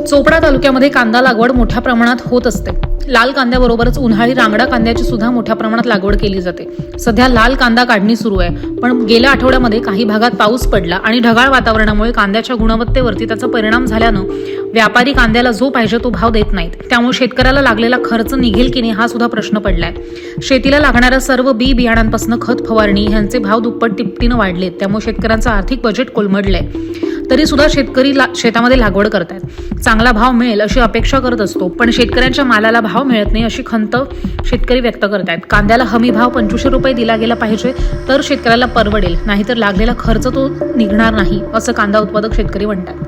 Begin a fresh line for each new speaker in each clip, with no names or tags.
चोपडा तालुक्यामध्ये कांदा लागवड मोठ्या प्रमाणात होत असते। लाल कांद्याबरोबरच उन्हाळी रांगडा कांद्याची सुद्धा मोठ्या प्रमाणात लागवड केली जाते। सध्या लाल कांदा काढणी सुरू आहे, पण गेल्या आठवड्यामध्ये काही भागात पाऊस पडला आणि ढगाळ वातावरणामुळे कांद्याच्या गुणवत्तेवरती त्याचा परिणाम झाल्यानं व्यापारी कांद्याला जो पाहिजे तो भाव देत नाहीत। त्यामुळे शेतकऱ्याला लागलेला खर्च निघेल की नाही हा सुद्धा प्रश्न पडलाय। शेतीला लागणाऱ्या सर्व बी बियाणांपासून खत फवारणी यांचे भाव दुप्पट तिप्पटीनं वाढलेत, त्यामुळे शेतकऱ्यांचं आर्थिक बजेट कोलमडलंय। तरी सुद्धा शेतकरी शेतामध्ये लागवड करतायत। चांगला भाव मिळेल अशी अपेक्षा करत असतो, पण शेतकऱ्यांच्या मालाला भाव मिळत नाही अशी खंत शेतकरी व्यक्त करतायत। कांद्याला हमी भाव 2500 रुपये दिला गेला पाहिजे तर शेतकऱ्याला परवडेल, नाहीतर लागलेला खर्च तो निघणार नाही असं कांदा उत्पादक शेतकरी म्हणतात।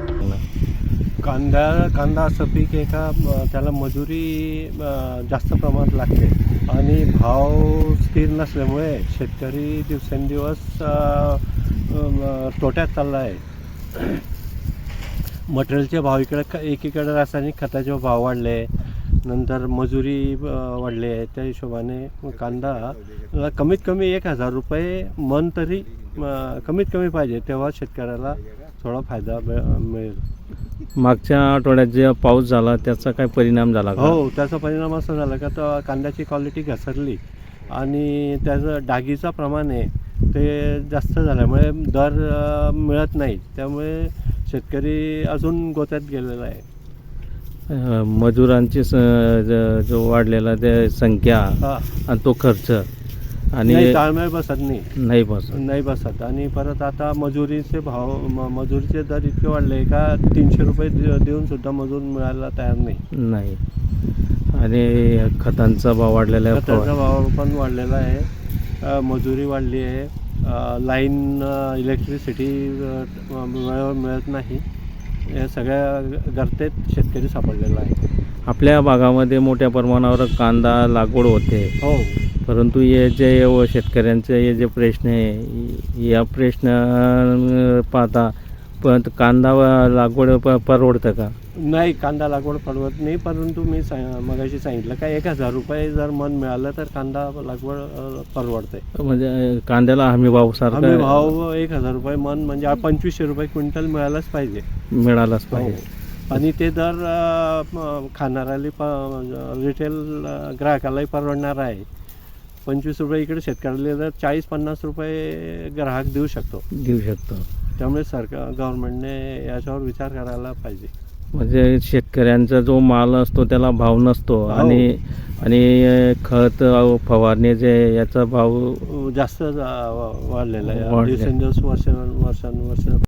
कांदा असं पीक आहे का त्याला मजुरी जास्त प्रमाणात लागते आणि भाव स्थिर नसल्यामुळे शेतकरी दिवसेंदिवस तोट्यात चालला आहे। मटेरियलचे भाव एकीकडे रासायनिक खताचे भाव वाढले, नंतर मजुरी वाढली आहे। त्या हिशोबाने कांदा कमीत कमी 1000 रुपये मन तरी कमीत कमी पाहिजे, तेव्हा शेतकऱ्याला थोडा फायदा मिळेल।
मागच्या आठवड्यात जे पाऊस झाला त्याचा काय परिणाम झाला का?
हो, त्याचा परिणाम असा झाला का तर कांद्याची क्वालिटी घसरली आणि त्याचं डागीचं प्रमाण आहे ते जास्त झाल्यामुळे दर मिळत नाही, त्यामुळे शेतकरी अजून गोत्यात गेलेला आहे।
मजुरांची जो वाढलेला ते संख्या आणि तो खर्च आणि
ताळमेळ बसत
नाही
बसत आणि परत आता मजुरीचे मजुरीचे दर इतके वाढले का 300 रुपये देऊन सुद्धा मजूर मिळायला तयार नाही।
आणि खतांचा भाव वाढलेला आहे,
खतांचा भाव पण वाढलेला आहे, मजुरी वाढली आहे, लाईन इलेक्ट्रिसिटी मिळत नाही, या सगळ्या गर्तेत शेतकरी सापडलेला आहे।
आपल्या भागामध्ये मोठ्या प्रमाणावर कांदा लागवड होते।
हो, परंतु
हे जे शेतकऱ्यांचे हे जे प्रश्न आहे या प्रश्न पाहता पण कांदा लागवड परवडतं का?
नाही, कांदा लागवड परवडत नाही, परंतु मी मगाशी सांगितलं का 1000 रुपये जर मन मिळालं तर कांदा लागवड परवडते।
म्हणजे कांद्याला हमी भाव सारखा
हमी भाव 1000 रुपये मन म्हणजे 2500 रुपये क्विंटल मिळालाच पाहिजे। आणि ते दर खाणाऱ्याला रिटेल ग्राहकालाही परवडणार आहे। 25 रुपये इकडे शेतकऱ्याला तर 40-50 रुपये ग्राहक देऊ शकतो। त्यामुळे गव्हर्नमेंटने याच्यावर विचार करायला पाहिजे।
म्हणजे शेतकऱ्यांचा जो माल असतो त्याला भाव नसतो आणि खत फवारण्याचे याचा भाव
जास्त वाढलेला आहे, दिवसेंदिवस वर्षानुवर्ष